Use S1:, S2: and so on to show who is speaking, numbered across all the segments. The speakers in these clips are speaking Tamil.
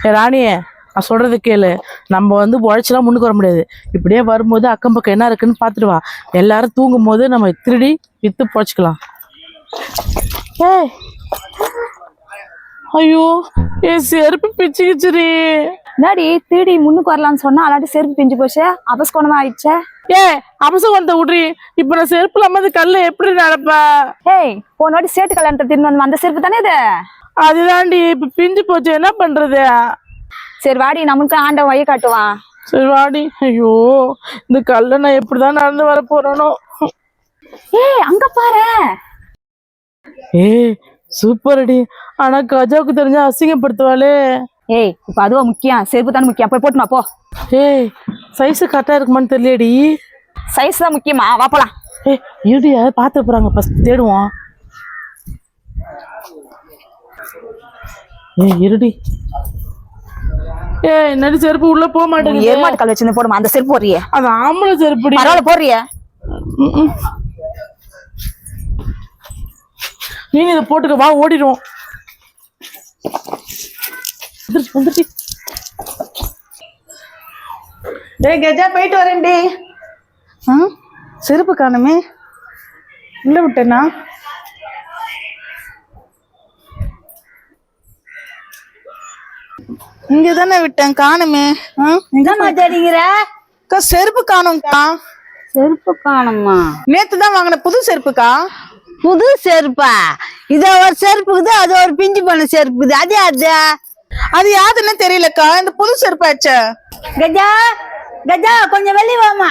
S1: ராணியே நான் சொல்றது கேளு. நம்ம உழைச்சலாம் முன்னுக்கு வர முடியாது. இப்படியே வரும்போது அக்கம் பக்கம் என்ன இருக்குன்னு பார்த்துட்டு வா. எல்லாரும் தூங்கும் போது நம்ம திருடி வித்து பொழைச்சிக்கலாம். ஏய் ஐயோ என் செருப்பு பிச்சுக்கிச்சுரி.
S2: என்னடி திருடி முன்னுக்கு வரலான்னு சொன்னா அல்லாட்டி செருப்பு பிஞ்சு போச்சு, அபஸ்கோணமா ஆயிடுச்சே.
S1: அபசகுணத்தை விட்றி. இப்ப நான் செருப்பு இல்லாம கல்ல எப்படி நடப்ப?
S2: ஏய் போன வாட்டி சேட்டு கல்யாணத்தை தின்னு வந்து அந்த செருப்பு தானே இது?
S1: அதுதான்டி இப்ப பிஞ்சு போச்சு, என்ன பண்றது?
S2: சரி வாடி, நமக்கு ஆண்டவன் வழி காட்டுவான்.
S1: சரி வாடி. ஐயோ இந்த கல்ல நான் எப்படிதான் நடந்து வர போறேனோ.
S2: ஏய் அங்க பாரு.
S1: ஏய் சூப்பர் அடி. ஆனா கஜாவுக்கு தெரிஞ்சா அசிங்கப்படுத்துவாளே.
S2: ஏய் இப்ப அதுவா முக்கியம், செருப்பு தானே முக்கியம். போய் போட்டுமா போ.
S1: ஏய் சைஸ் கரெக்டா இருக்குமான்னு தெரியலடி.
S2: சைஸ் தான் முக்கியமா? வா போலாம்.
S1: ஏய் இருடி, அதை பார்த்து போறாங்க, ஃபர்ஸ்ட் தேடுவோம். ஏய் இருடி. ஏய் நடி செருப்பு உள்ள போக மாட்டேங்குது.
S2: ஏமாட்டு கல் வச்சிருந்து போடுமா அந்த செருப்பு போறியே.
S1: அது ஆம்பளை செருப்பு.
S2: பரவாயில்ல போறியே.
S1: நீங்க இதை போட்டுக்க, வா ஓடிடும்.
S3: டேய் கஜா போயிட்டு வரேன்டி. செருப்பு காணுமே, உள்ள விட்டேனா? இங்க தானே விட்டேன், காணுமே.
S2: தேடிங்கிற
S3: செருப்பு காணும்க்கா.
S2: செருப்பு காணுமா?
S3: நேத்து தான் வாங்கின புது செருப்புக்கா.
S2: புது செருப்பா? இது ஒரு செருப்புக்குது, அது ஒரு பிஞ்சு பண்ண செருப்புக்குது. அதே
S3: அது யாருன்னு தெரியலக்கா, இந்த புது செருப்பாச்ச.
S2: கஜா கஜா கொஞ்சம் வெளியே வாமா.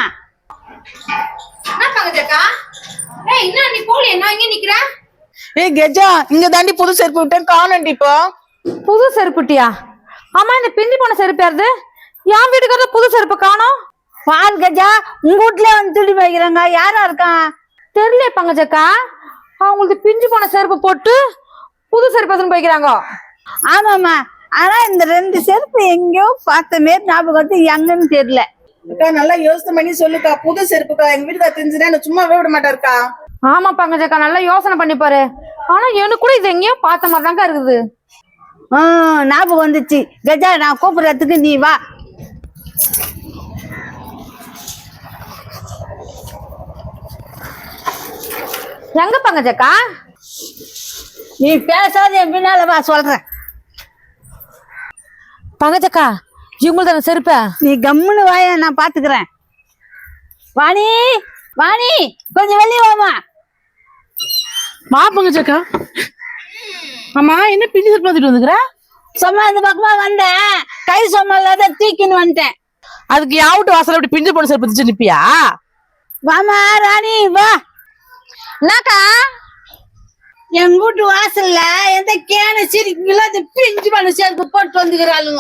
S3: ஏய் கஜா, இங்க தாண்டி புது செருப்பு விட்டேன், காணும்டி. இப்போ
S2: புது செருப்புட்டியா? ஆமா, இந்த பிஞ்சு போன செருப்பு யாருது? என் வீட்டுக்காரர் புது செருப்பு காணோம். பால் கஜா, உங்க வீட்லயே வந்து திருடி வைக்கிறாங்க. யாரா இருக்கான் தெரியல பங்கஜக்கா. அவங்களுக்கு பிஞ்சு போன செருப்பு போட்டு புது செருப்பு போய்க்கிறாங்க. ஆமாமா, ஆனா இந்த ரெண்டு செருப்பு எங்கேயோ பார்த்த மாரி ஞாபகம் வந்து எங்கன்னு தெரியல.
S3: அக்கா நல்லா யோசனை பண்ணி சொல்லுக்கா, புது செருப்புக்கா. எங்க வீட்டுக்கு தெரிஞ்சுனா சும்மாவே விட மாட்டாருக்கா.
S2: ஆமா பங்கஜக்கா, நல்லா யோசனை பண்ணி பாரு. ஆனா எனக்கு கூட இது எங்கேயோ பார்த்த மாதிரி தாங்க இருக்குது. ஞாபகம் வந்துச்சு. கஜா நான் கூப்பிடுறதுக்கு நீ வா. எங்க பங்கஜக்கா? நீ பேசாத, என் பின்னால வா சொல்றேன். பங்கஜக்கா இவங்களுக்கு தானே செருப்ப? நீ கம்முன்னு வாய, நான் பாத்துக்கிறேன். வாணி வாணி கொஞ்சம் வெளியே வாமா.
S1: வா பங்கஜக்கா. ஆமா என்ன பிஞ்சு செருப்பு வந்துட்டு வந்துக்கிற?
S2: சும்மா இந்த பக்கமா வந்தேன், கை சும்மா இல்லாத தூக்கின்னு வந்துட்டேன்.
S1: அதுக்கு யாவுட்டு வாசல் அப்படி பிஞ்சு போன செருப்பு வச்சு நிப்பியா?
S2: வாமா ராணி வா. என்னக்கா? எங்க வீட்டு வாசல்ல எந்த கேன சிரிக்குங்களோ அந்த பிஞ்சு பண்ண செருப்பு போட்டு வந்துக்கிறாளுங்க.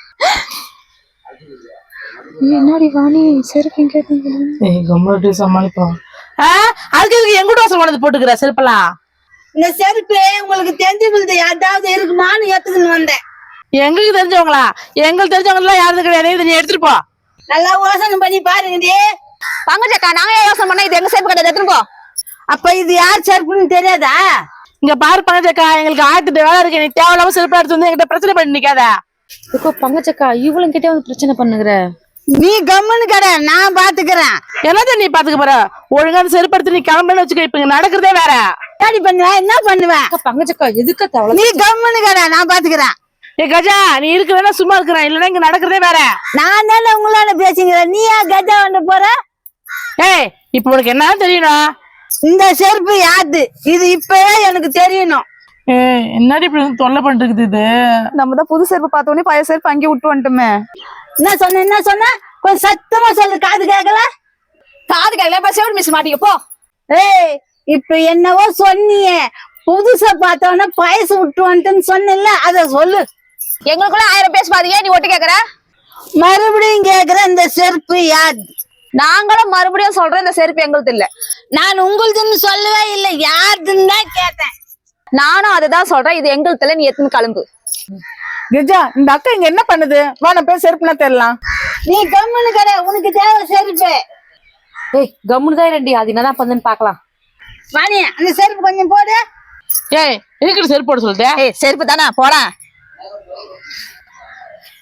S2: என்னடி வாணி செருப்பு
S1: கேட்க சமாளிப்போம். அதுக்கு எங்க வீட்டு வாசல் கொண்டு போட்டுக்கிற செருப்பெல்லாம்?
S2: இந்த செருப்பு உங்களுக்கு தெரிஞ்சவங்களுக்கு யாராவது இருக்குமான்னு ஏத்துக்குன்னு வந்தேன்.
S1: எங்களுக்கு தெரிஞ்சவங்களா? எங்களுக்கு தெரிஞ்சவங்க யாரும் கிடையாது. நீ எடுத்துட்டு போ.
S2: நல்லா யோசனை பண்ணி பாருங்க. பங்கஜக்கா, நாங்க யோசனை பண்ணா இது எங்க செருப்பு கிடையாது, எடுத்துட்டு போ. அப்ப இது யார் செருப்புன்னு தெரியாதா?
S1: இங்க பாரு பங்கஜக்கா, எங்களுக்கு 1008 வேலை இருக்கு. நீ தேவையில்லாம செருப்பு எடுத்து வந்து எங்கிட்ட பிரச்சனை பண்ணி நிக்காத.
S2: பங்கஜக்கா இவளும் கிட்டே வந்து பிரச்சனை பண்ணுகிற. நீ கம்முன்னு கடை, நான் பாத்துக்கிறேன்.
S1: என்னது நீ பாத்துக்க போற? ஒழுங்கா செருப்பு எடுத்து நீ கிளம்புன்னு வச்சுக்க. இப்ப இங்க நடக்கிறதே வேற.
S2: பண்ணுவேன் என்ன பண்ணுவேன்? பங்கஜக்கா எதுக்கு தவளை? நீ கம்முன்னு கடை, நான் பாத்துக்கிறேன்.
S1: ஏ கஜா, நீ இருக்கிறதா சும்மா இருக்கிறேன், இல்லன்னா இங்க நடக்கிறதே வேற.
S2: நான் தானே உங்களால பேசுகிறேன், நீ ஏன் கஜா வந்து போற?
S1: ஏய் இப்ப உனக்கு என்ன தெரியணும்?
S2: இந்த செருப்பு யாரு? இது இப்பவே எனக்கு தெரியணும்.
S1: என்னடி இப்படி தொல்லை பண்ணிருக்குது இது?
S2: நம்ம தான் புது செருப்பு பார்த்த உடனே பழைய செருப்பு அங்கே விட்டு வந்துட்டோமே. என்ன சொன்ன கொஞ்சம் சத்தமா சொல்லு, காது கேட்கல. காது கேட்கல, செவிடு மிஸ் மாட்டிக்க போ. ஏய் இப்ப என்னவோ சொன்னியே, புதுசா பார்த்தவன பயசு விட்டு வந்துட்டுன்னு சொன்ன, அத சொல்லு. எங்களுக்குள்ள 1000 பேச பாத்தீங்க, நீ ஒட்டு கேக்குற. மறுபடியும் கேக்குற, இந்த செருப்பு யாரு? நாங்களும் மறுபடியும் சொல்றேன், இந்த செருப்பு எங்களுக்கு இல்ல. நான் உங்களுதுன்னு சொல்லவே இல்லை, யாருதுன்னு தான் கேட்டேன். நானும் அதுதான் சொல்றேன், இது எங்களுக்கு இல்ல, நீ எத்தனை கிளம்பு.
S3: கஜா, இந்த அக்கா இங்க என்ன பண்ணுது? வா நம்ம போய் செருப்புனா தெரியலாம்.
S2: நீ கம்முன்னு கடை, உனக்கு தேவை செருப்பு. ஏய் கம்முன்னு தான் ரெண்டி, அது என்னதான் பண்ணுன்னு பாக்கலாம். வாணி அந்த செருப்பு கொஞ்சம் போடு.
S1: ஏய் இருக்கிற செருப்பு போட சொல்லிட்டேன்.
S2: ஏய் செருப்பு தானே போட.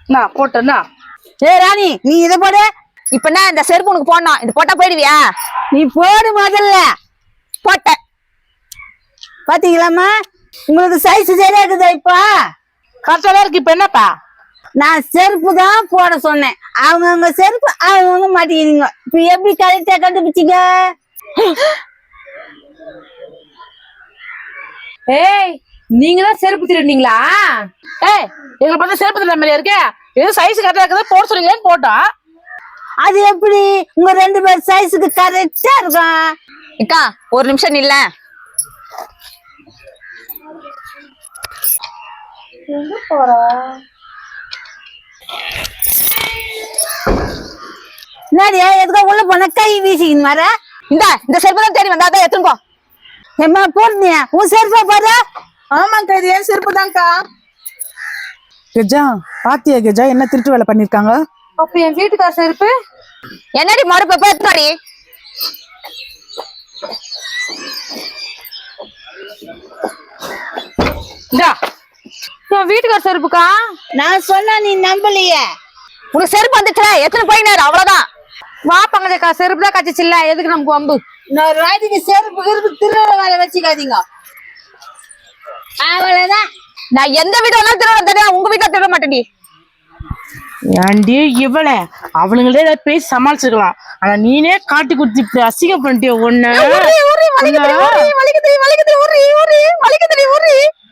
S1: நான் போட்டேன்னா
S2: ஏய் ராணி நீ இதை போடு.
S4: இப்ப என்ன இந்த செருப்பு உனக்கு போடணும், இது போட்டா போயிடுவியா?
S2: நீ போடு முதல்ல.
S4: போட்ட.
S2: பாத்தீங்களாம்மா உங்களுக்கு சைஸ் சரியா இருக்குதா இப்ப?
S1: கரெக்டா தான் இருக்கு. இப்ப என்னப்பா?
S2: நான் செருப்பு தான் போட சொன்னேன். அவங்கவுங்க செருப்பு அவங்கவுங்க மாட்டிக்கிறீங்க. இப்ப எப்படி கரெக்டா கண்டுபிடிச்சிங்க?
S4: ஏய், நீங்க தான் செருப்பு திருடுனீங்களா?
S1: ஏய், எங்களை பார்த்தா செருப்பு தர மாதிரியா இருக்கு? எது சைஸ் கரெக்டா இருக்குது போட சொல்றீங்களேன்னு போட்டோம்.
S2: அது எப்படி உங்க 2 பேர் சைஸுக்கு கரெக்டா இருக்கும்?
S4: அக்கா ஒரு நிமிஷம் நில்ல.
S2: என்னடியா எதுக்கோ உள்ள போன கை வீசிக்கின்னு வர?
S4: இந்த செருப்பு தான் தேடி வந்தா தான் எடுத்துன்னு போ.
S2: ஏம்மா போடுனியா உன் செருப்பா பாரு.
S3: ஆமாக்கா இது ஏன் செருப்பு தான்க்கா.
S5: கெஜா பாத்தியா கெஜா என்ன திருட்டு வேலை பண்ணிருக்காங்க?
S4: அப்ப என் வீட்டுக்கார செருப்பு என்னடி மறுப்ப பேத்தாடி?
S1: இந்தா
S4: என் வீட்டுக்கார செருப்புக்கா?
S2: நான் சொன்னா நீ நம்பலையே.
S4: உனக்கு செருப்பு வந்துச்சுல எத்தனை போயினாரு அவ்வளவுதான். வா பங்கஜக்கா, செருப்பு தான் கச்சிச்சு இல்ல, எதுக்கு நமக்கு வம்பு?
S2: நான் ராஜிக்கு செருப்பு திருட வேலை வச்சுக்காதீங்க. அவ்வளவுதான்.
S4: நான் எந்த வீடு வேணாலும் திருட தெரியும், உங்க வீட்டுல திருட மாட்டேன்டி.
S1: ஏன்டி இவள அவளுங்களே ஏதாவது பேசி சமாளிச்சுக்கலாம். ஆனா நீனே காட்டி குடுத்து இப்படி அசிங்கம் பண்ணிட்டிய ஒண்ணு.
S4: வலிக்குதுடி, வலிக்குதுடி, வலிக்குதுடி, வலிக்குதுடி, வலிக்குதுடி.